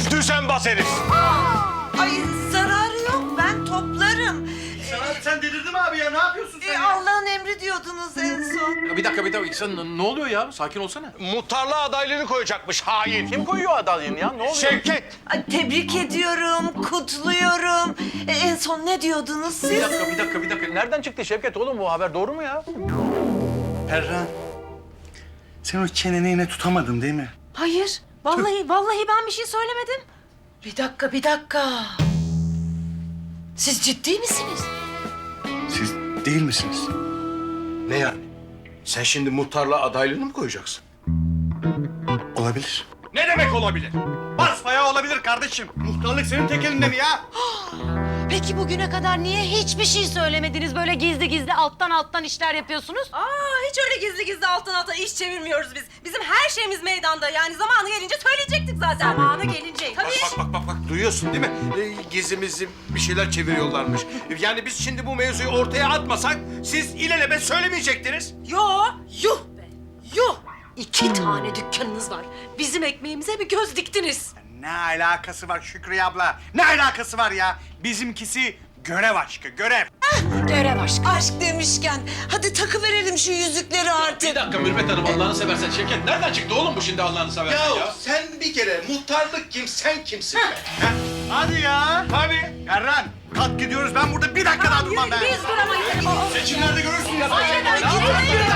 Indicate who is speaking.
Speaker 1: Düzenbaz herif.
Speaker 2: Ay zararı yok, ben toplarım.
Speaker 3: Sen delirdin mi abi ya? Ne yapıyorsun sen ya?
Speaker 2: Allah'ın emri diyordunuz en son.
Speaker 4: Bir dakika. Sen ne oluyor ya? Sakin olsana.
Speaker 1: Muhtarlığa adaylığını koyacakmış hain.
Speaker 4: Kim koyuyor adaylığını ya? Ne oluyor?
Speaker 1: Şevket.
Speaker 2: Ay, tebrik ediyorum, kutluyorum. En son ne diyordunuz siz?
Speaker 4: Bir dakika. Nereden çıktı Şevket oğlum bu haber? Doğru mu ya?
Speaker 3: Perran, sen o çeneni yine tutamadın değil mi?
Speaker 5: Hayır. Vallahi ben bir şey söylemedim.
Speaker 2: Bir dakika. Siz ciddi misiniz?
Speaker 3: Siz değil misiniz?
Speaker 1: Ne yani? Sen şimdi muhtarlığa adaylığını mı koyacaksın?
Speaker 3: Olabilir.
Speaker 1: Ne demek olabilir?
Speaker 3: Basbayağı olabilir kardeşim. Muhtarlık senin tek elinde mi ya?
Speaker 5: Peki bugüne kadar niye hiçbir şey söylemediniz? Böyle gizli alttan işler yapıyorsunuz.
Speaker 6: Hiç öyle gizli alttan iş çevirmiyoruz biz. Bizim her şeyimiz meydanda. Yani zamanı gelince söyleyecektik zaten.
Speaker 5: Zamanı gelince.
Speaker 6: Tabii.
Speaker 1: Bak duyuyorsun değil mi? Gizli bir şeyler çeviriyorlarmış. Yani biz şimdi bu mevzuyu ortaya atmasak siz ilelebet söylemeyecektiniz.
Speaker 6: Yuh be. Yuh. 2 tane dükkanınız var. Bizim ekmeğimize bir göz diktiniz.
Speaker 3: Ne alakası var Şükriye abla? Ne alakası var ya? Bizimkisi görev aşkı, görev.
Speaker 5: Görev aşkı.
Speaker 2: Aşk demişken hadi takıverelim şu yüzükleri artık.
Speaker 4: Bir dakika Mürvet Hanım Allah'ını seversen Şevket. Nereden çıktı oğlum bu şimdi Allah'ını seversen ya?
Speaker 1: Sen bir kere muhtarlık kim, sen kimsin be?
Speaker 3: Hadi ya.
Speaker 1: Hadi.
Speaker 3: Perran, kalk gidiyoruz. Ben burada bir dakika daha durmam ben.
Speaker 6: Biz duramayız.
Speaker 1: Seçimlerde görürsün ya.
Speaker 6: Gidelim.